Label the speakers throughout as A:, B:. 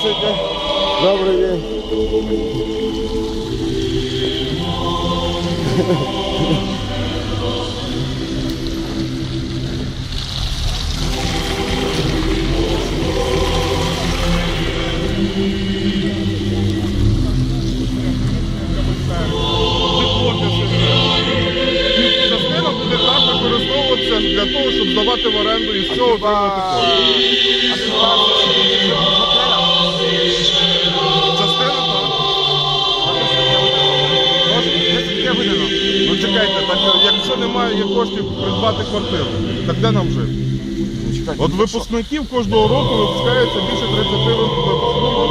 A: Здравствуйте. Добрый день.
B: Частина буде так використовуватися для того, щоб здавати в оренду і з цього отримати кошти. Частина так. Ну чекайте, так якщо немає коштів придбати квартиру, так де нам жити? От випускників кожного року випускається більше 30 випускників.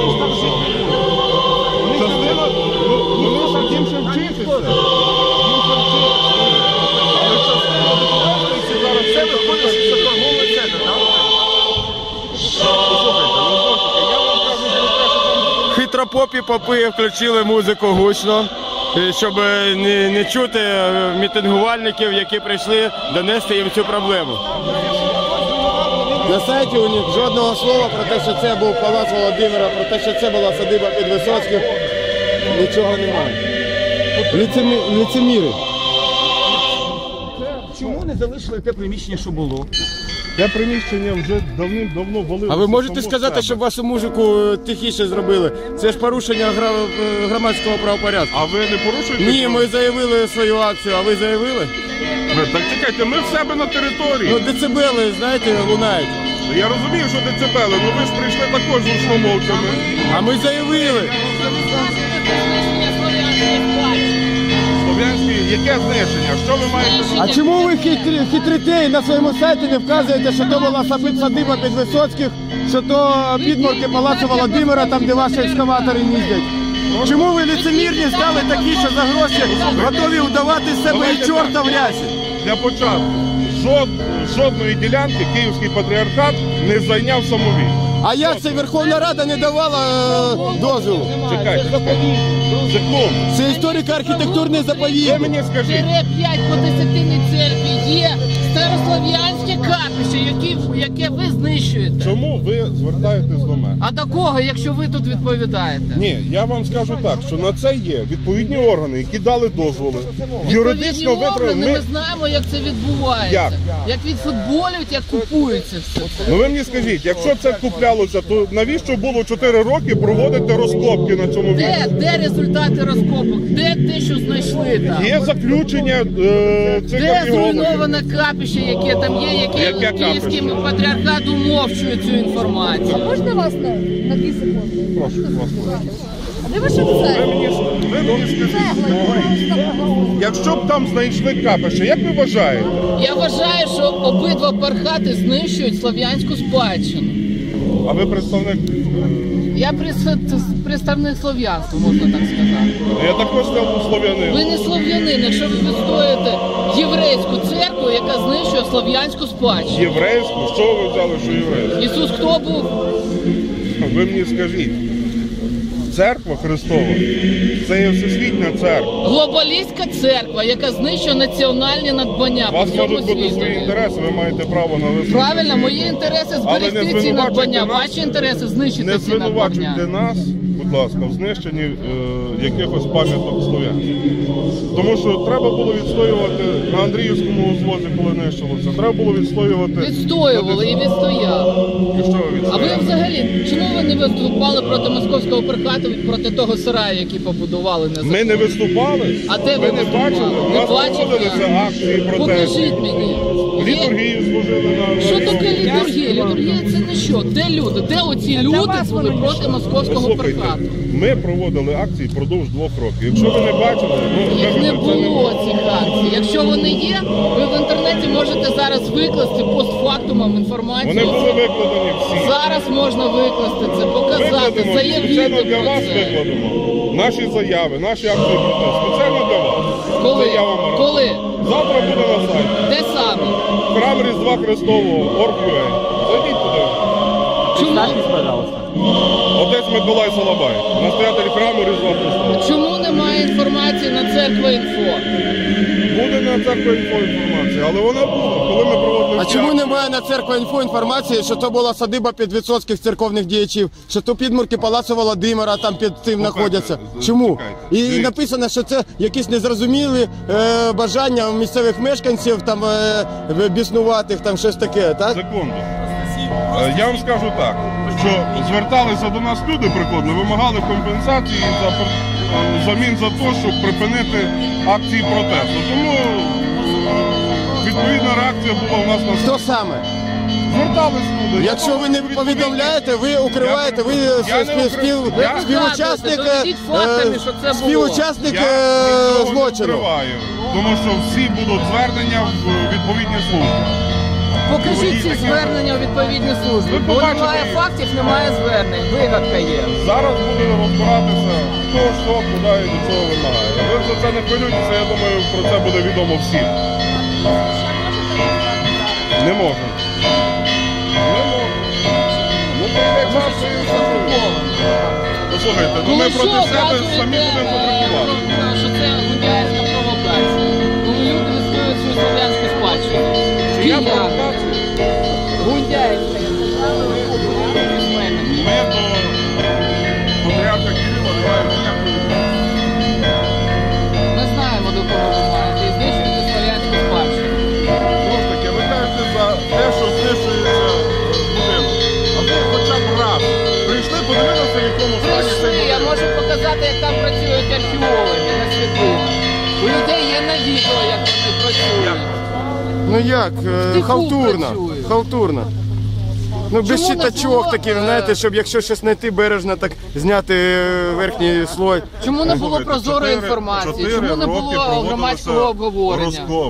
B: Частина, вони ж їм ще вчитися. Але частина використовується зараз. Це виходить, що це торговий центр, так? Послухайте, ну знову ж таки, я вам кажу про те, що там...
A: Хитропопі попи включили музику гучно, щоб не чути мітингувальників, які прийшли донести їм цю проблему. На сайті у них жодного слова про те, що це був палац Володимира, про те, що це була садиба Підвисоцьких, нічого немає. Лицеміри.
C: Чому не залишили те приміщення, що було?
B: Те приміщення вже давним-давно валилося.
A: А ви можете сказати, щоб вашу музику тихіше зробили? Це ж порушення громадського правопорядку.
B: А ви не порушуєте?
A: Ні, ми заявили свою акцію, а ви заявили?
B: Так чекайте, ми в себе на території.
A: Ну, децибели, знаєте, лунають.
B: Я розумію, що децибели, але ви ж прийшли також з гучномовцями.
A: А ми заявили.
B: Слов'янський, яке знищення? Що ви маєте?
A: А чому ви хитрите і на своєму сайті не вказуєте, що то була садиба Підвисоцьких, що то підморки палацу Володимира, там де ваші екскаватори їздять? Чому ви лицемірні стали такі, що за гроші готові вдавати з себе і чорта в рясі?
B: Для початку, жодної ділянки Київський патріархат не зайняв самовільно.
A: А як це Верховна Рада не давала дозволу?
B: Чекайте, секунду.
A: Це історико-архітектурний
B: Ви
A: заповідник.
B: мені скажіть.
D: 5 по Десятинній церкві є старослов'янське капище, яке ви знищуєте.
B: Чому ви звертаєтесь до мене?
D: А до кого, якщо ви тут відповідаєте?
B: Ні, я вам скажу так, що на це є відповідні органи, які дали дозволи. Юридично
D: органи, ми знаємо, як це відбувається. Як відфутболюють, як купується все це.
B: Ну ви мені скажіть, якщо це куплялося, то навіщо було 4 роки проводити розкопки на цьому місці?
D: Де результати розкопок? Де те, що знайшли там?
B: Є заключення цих
D: Де
B: археологів.
D: зруйноване капище, яке там є, яке Київський патріархат умовчує цю інформацію?
E: Можна вас на 2 секунди?
B: Прошу, вас.
E: А де ваше
B: Ви
E: це?
B: мені скажіть, якщо б там знайшли капище, як ви вважаєте?
D: Я вважаю, що обидва пархати знищують слов'янську спадщину.
B: А ви представник?
D: Я представник слов'янства, можна так сказати.
B: Я також став слов'янин.
D: Ви не слов'янин, якщо ви відстоїте єврейську церкву, яка знищує слов'янську спадщину.
B: Єврейську? Що ви взяли, що єврейську?
D: Ісус хто був?
B: Ви мені скажіть. Церква Христова – це є всесвітня церква.
D: Глобалістська церква, яка знищує національні надбання
B: У
D: по
B: вас
D: всьому
B: можуть бути свої
D: світу.
B: інтереси, ви маєте право на висновку.
D: Правильно, мої інтереси зберегти ці надбання, ваші інтереси знищити
B: Не
D: ці надбання.
B: звинувачуйте нас, будь ласка, в знищенні якихось пам'яток слов'ян. Тому що треба було відстоювати на Андріївському узвозі, коли нищилося. Треба було відстоювати...
D: Відстоювали і відстояли.
B: І що ви
D: А
B: відстояли?
D: ви взагалі, чому ви не виступали проти московського пархату, проти того сараю, який побудували незаконно?
B: Ми не виступали?
D: А де ви
B: не
D: виступали?
B: бачили? У
D: Не
B: нас
D: бачите?
B: проводилися акції протесту.
D: Покажіть мені.
B: Літургію служили на...
D: Що таке літургія? Літургія це не що? Де люди? Де оці люди були проти московського
B: Послухайте,
D: пархату?
B: ми проводили акції впродовж 2 років. Якщо ви не бачили, ну,
D: Їх не
B: це
D: було цих акцій. Якщо вони є, ви в інтернеті можете зараз викласти постфактумом інформацію.
B: Вони були викладені всі.
D: Зараз можна викласти це, показати,
B: Викладемо,
D: заявити
B: спеціально для
D: про
B: вас
D: це.
B: викладемо. Наші заяви, наші акції протесту. Спеціально для вас.
D: Коли?
B: Це я вам раджу.
D: Коли?
B: Завтра буде на сайті.
D: Де саме?
B: Храм Різдва Христового, Орг.ua. Зайдіть туди.
C: Представьтесь, пожалуйста.
B: Отець Миколай Солобай, настоятель храму Різдва Христова.
D: Чому немає інформації на Церква.Інфо?
B: Буде на Церква.Інфо інформація, але вона була, коли ми проводили...
A: А чому
B: акцію.
A: немає на Церква.Інфо інформації, що то була садиба підвисоцьких церковних діячів, що то підмурки Палацу Володимира там під цим знаходяться? Чому?
B: чекайте.
A: І
B: Дивіться.
A: написано, що це якісь незрозумілі бажання місцевих мешканців, там біснуватих, там щось таке, так?
B: Секунду. Я вам скажу так, що зверталися до нас люди, приходили, вимагали компенсації замін за те, щоб припинити акції протесту. Тому відповідна реакція була у нас на
A: Хто саме?
B: Звертались люди.
A: Якщо ви не повідомляєте, ви укриваєте, ви співучасник,
D: Доведіть фактами, що це було.
A: співучасник
B: Я нікого не
A: злочину.
B: вкриваю, тому що всі будуть звернення в відповідні служби.
D: Покажіть ці звернення у відповідні служби.
B: Ви
D: Бо
B: побачите
D: немає
B: їх.
D: фактів, немає звернень. Вигадка є.
B: Зараз буде розбиратися, хто, що, куди і до цього вимагає. Ви за це не хвилюйтеся, я думаю, про це буде відомо всім. Не можу. Не можу. Ну, то йде час, що і все зроблено. Послухайте, ну ми проти себе самі будемо потребувати.
D: Що це гундяївська провокація. Коли люди відстоюють свою слов'янську спадщину.
B: Я провокацію.
D: Гундяївська, я сказала, письменник.
B: Ми до патріарха Кирила не маємо ніякої відношення.
D: Ми знаємо, до кого ви маєте. І знищуєте слов'янську спадщину.
B: Знову ж таки, ви кажете за те, що знищується будинок. А ви хоча б раз прийшли, подивилися, в якому стані цей
D: Прийшли, я
B: будинок.
D: можу показати, як там працюють археологи на світлинах. У людей є на відео, як вони працюють.
A: Ну як,
D: Тиху
A: халтурно,
D: працює.
A: халтурно. Ну без
D: Чому не
A: щитачок
D: було,
A: таких, знаєте, щоб якщо щось знайти бережно, так зняти верхній слой.
D: Чому не було
B: Слухайте,
D: прозорої
B: 4
D: інформації? Чому не
B: роки
D: було
B: проводилися
D: громадського обговорення?
B: розкопки.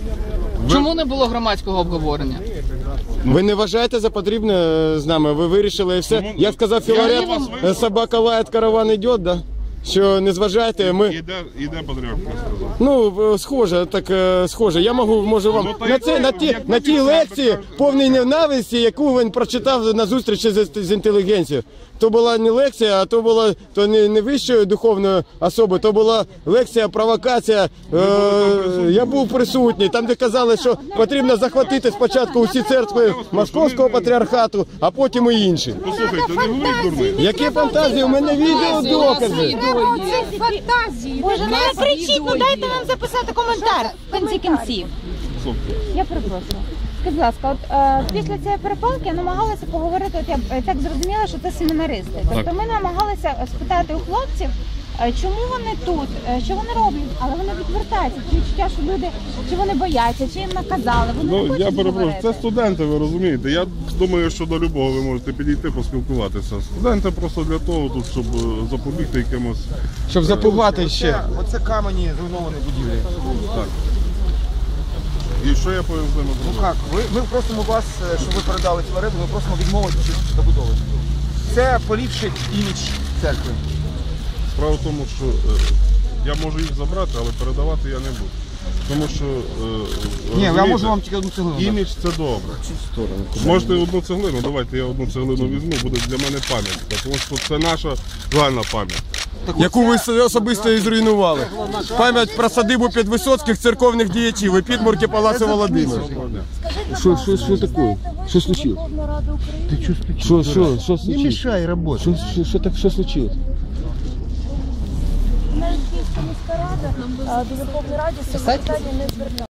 D: Чому не було громадського обговорення?
A: Ви не вважаєте за потрібне з нами? Ви вирішили і все?
B: Чому?
A: Як сказав
B: Я
A: Філарет,
B: вас вислухав.
A: собака лает, караван йде, да? Що не зважаєте, ми...
B: Іде патріарх, я сказав.
A: Ну, схоже, так схоже. Я можу вам
B: Ну, та
A: на це на тій лекції повній ненависті, яку він прочитав на зустрічі з інтелігенцією. То була не лекція, а то була не вищої духовної особи, то була лекція, провокація. Я був присутній, там де казали, що потрібно захватити спочатку усі церкви Московського патріархату, а потім і інші.
B: Послухайте, не говоріть дурниць.
A: Які фантазії? У мене відеодокази.
E: Треба оцих фантазій. Боже, не кричіть, ну дайте нам записати коментар в кінці кінців. Я перепрошую. Скажіть, будь ласка, от після цієї перепалки намагалися поговорити, от я так зрозуміла, що це семінаристи. Тобто ми намагалися спитати у хлопців, чому вони тут, що вони роблять, але вони відвертаються. Чи відчуття, що люди, чи вони бояться, чи їм наказали, вони не
B: Ну,
E: хочуть
B: я перепрошую,
E: говорити.
B: це студенти, ви розумієте. Я думаю, що до любого ви можете підійти, поспілкуватися. Студенти просто для того, тут, щоб запобігти якимось...
A: Щоб запугати ще.
C: Оце камені зруйновані будівлі.
B: Так. І що я повинен з ними
C: Ну
B: зробити?
C: як? Ми просимо вас, щоб ви передали цю оренду, ми просимо відмовитися від забудови. Це поліпшить імідж церкви.
B: Справа в тому, що я можу їх забрати, але передавати я не буду. Тому що,
C: Ні, я
B: розумієте,
C: можу вам тільки одну цеглину. дати.
B: імідж це добре. Можете одну цеглину, давайте я одну цеглину візьму, буде для мене пам'ятка, тому що це наша загальна пам'ять.
A: Яку ви особисто і зруйнували. Пам'ять про садибу підвисоцьких церковних діячів і підмурки Палацу Володимира. Що таке? Що случилось? Що случилось?
C: Не мішай роботі.
A: Що случилось?
E: Навіть Київська міська рада до Верховної Ради з цим питанням не зверталася.